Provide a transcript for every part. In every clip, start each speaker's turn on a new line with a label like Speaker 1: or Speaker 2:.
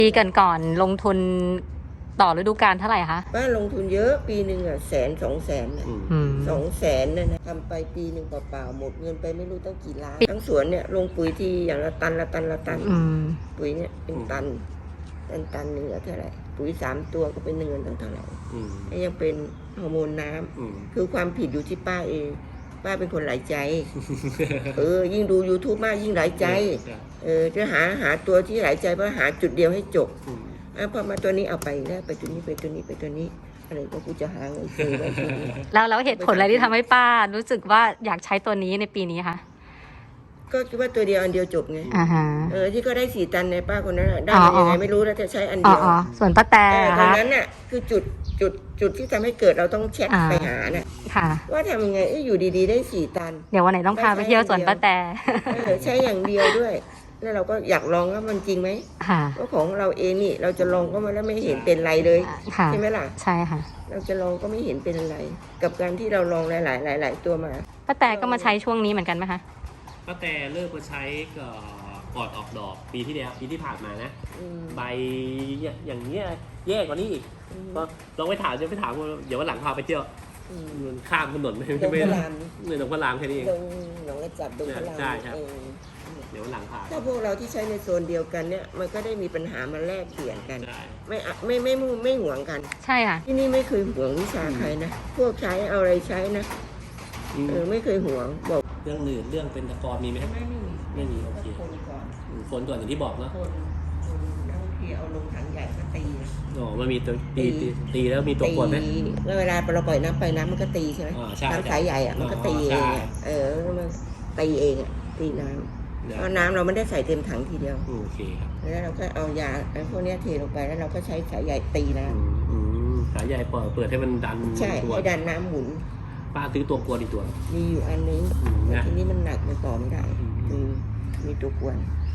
Speaker 1: ปีก่อนลงทุนต่อฤดูกาลเท่าไหร่คะ
Speaker 2: บ้านลงทุนเยอะปีหนึ่ง100,000-200,000นะ200,000เนี่ยนะทำไปปีหนึ่งเปล่าๆหมดเงินไปไม่รู้ตั้งกี่ล้านทั้งสวนเนี่ยลงปุ๋ยที่อย่างละตันปุ๋ยเนี่ยเป็นตันหนึ่งเท่าไหร่ปุ๋ย3 ตัวก็เป็นเงินตั้งเท่าไหร่ยังเป็นฮอร์โมนน้ำคือความผิดอยู่ที่ป้าเองป้าเป็นคนหลายใจ ยิ่งดู YouTube มากยิ่งหลายใจจะหาตัวที่หลายใจเพราะหาจุดเดียวให้จบพอมาตัวนี้เอาไปแล้วไปตัวนี้ไปตัวนี้ไปตัวนี้อะไรก็กูจะหาเงินซื้อไว้ทีนี้
Speaker 1: แล้วเหตุผลอะไรที่ทำให้ป้ารู้สึกว่าอยากใช้ตัวนี้ในปีนี้คะ
Speaker 2: ก็คิดว่าตัวเดียวอันเดียวจบไงที่ก็ได้4 ตันในป้าคนนั้นได้ยังไงไม่รู้แล้วจะใช้อันเดียว
Speaker 1: ส่วนป้าแต่
Speaker 2: ตรงนั้นน่ะคือจุดที่ทำให้เกิดเราต้องแชทไปหาน่ะว่าทำยังไงอยู่ดีๆได้4 ตัน
Speaker 1: เดี๋ยววันไหนต้องพาไปเที่ยวสวนป้าแต่
Speaker 2: ใช้อย่างเดียวด้วยแล้วเราก็อยากลองว่ามันจริงไหมว่าของเราเองนี่เราจะลองก็มาแล้วไม่เห็นเป็นไรเลยใช่ไหมล่ะ
Speaker 1: ใช่ค่ะ
Speaker 2: เราจะลองก็ไม่เห็นเป็นอะไรกับการที่เราลองหลายตัวมา
Speaker 1: ป้าแต่ก็มาใช้ช่วงนี้เหมือนกันไหมคะ
Speaker 3: ป้าแต่เริ่มมาใช้ก่อนออกดอกปีที่แล้วปีที่ผ่านมานะใบอย่างเงี้ยแย่กว่านี้อีกก็ลองไปถามจะไปถามเดี๋ยววันหลังพาไปเที่ยวข้ามถนนไม่เลยตรงพระรามแค่นี้เอง
Speaker 2: หนองกระจับตรงพระราม
Speaker 3: ใช่ครับเดี๋ยววันหลังพา
Speaker 2: ถ้าพวกเราที่ใช้ในโซนเดียวกันเนี่ยมันก็ได้มีปัญหามาแลกเปลี่ยนกันไม่ห่วงกัน
Speaker 1: ใช่ค่ะ
Speaker 2: ที่นี่ไม่เคยห่วงวิชาใครนะพวกใช้เอาอะไรใช้นะไม่เคยห่วงบอก
Speaker 3: เรื่องอื่นเรื่องเป็นตะกอนมีไหมไม่มีโอเคฝนก่อนอย่างที่บอกเนาะ
Speaker 2: แล้วที่เอาลงถังใหญ่ก็ตี
Speaker 3: มันมีตัวตีแล้วมีตัวกวนไหม
Speaker 2: แล้วเวลาเราปล่อยน้ำไปน้ำมันก็ตีใช่ไหมน้ำสายใหญ่อะมันก็ตีเองมันตีเองตีน้ำเพราะน้ำเราไม่ได้ใส่เต็มถังทีเดียว
Speaker 3: โอเคครับ
Speaker 2: แล้วเราก็เอายาพวกนี้เทลงไปแล้วเราก็ใช้สายใหญ่ตีน้
Speaker 3: ำสายใหญ่เปิดให้มันดัน
Speaker 2: ใช่ให้ดันน้ำหมุน
Speaker 3: ป้าซื้อตัวกวนอีกตัว
Speaker 2: มีอยู่อันนึงทีนี้มันหนักมันต่อไม่ได้มีตัวกวน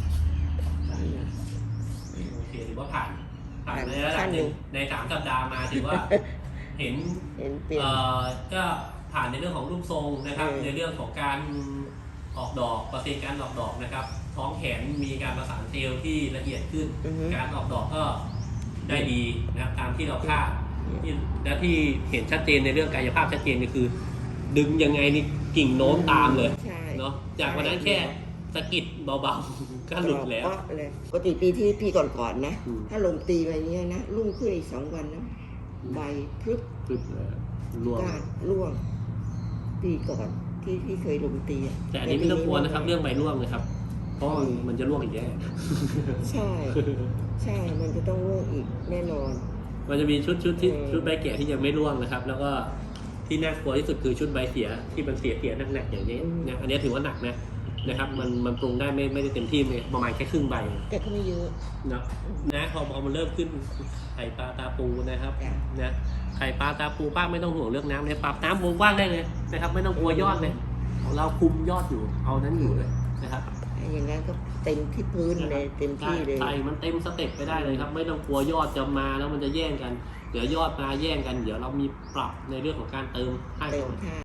Speaker 3: โอเคถือว่าผ่านในระดับนึงใน3 สัปดาห์มาถือว่าเห็นก็ผ่านในเรื่องของรูปทรงนะครับในเรื่องของการออกดอกเปอร์เซ็นต์การออกดอกนะครับท้องแขนมีการประสานเซลล์ที่ละเอียดขึ้นการออกดอกก็ได้ดีนะครับตามที่เราคาดและที่เห็นชัดเจนในเรื่องกายภาพชัดเจนก็คือดึงยังไงนี่กิ่งโน้มตามเลยเนาะจากวันนั้นแค่สะกิดเบาๆก็หลุดแล้ว
Speaker 2: ปกติปีที่พี่ก่อนๆนะถ้าลมตีไปเนี้ยนะรุ่งขึ้นอีก2 วันนะใบพรึบร่วงปีก่อนที่เคยลมตี
Speaker 3: แต่อันนี้ไม่ต้องกลัวนะครับเรื่องใบร่วงเลยครับเพราะมันจะร่วงอีกแน่
Speaker 2: ใช่มันจะต้องร่วงอีกแน่นอน
Speaker 3: มันจะมีชุดใบแก่ที่ยังไม่ร่วงนะครับแล้วก็ที่น่ากลัวที่สุดคือชุดใบเสียที่มันเสียหนักๆอย่างนี้นะอันนี้ถือว่าหนักนะครับมันปรุงได้ไม่ได้เต็มที่เลยประมาณแค่ครึ่งใบ
Speaker 2: แต่ก็ไม่เยอะ
Speaker 3: นะพอมันเริ่มขึ้นไข่ปลาตาปูนะครับนะไข่ปลาตาปูป้าไม่ต้องห่วงเรื่องน้ำเลยปรับน้ำวงกว้างได้เลยนะครับไม่ต้องกลัวยอดเลยของเราคุมยอดอยู่เอานั้นอยู่เลยนะครับ
Speaker 2: อย่างนั้นก็เต็มที่พื้นเลยเต็มที่เลย
Speaker 3: ใส่มันเต็มสเต็ปไปได้เลยครับไม่ต้องกลัวยอดจะมาแล้วมันจะแย่งกันเดี๋ยวยอดมาแย่งกันเดี๋ยวเรามีปรับในเรื่องของการเติมให้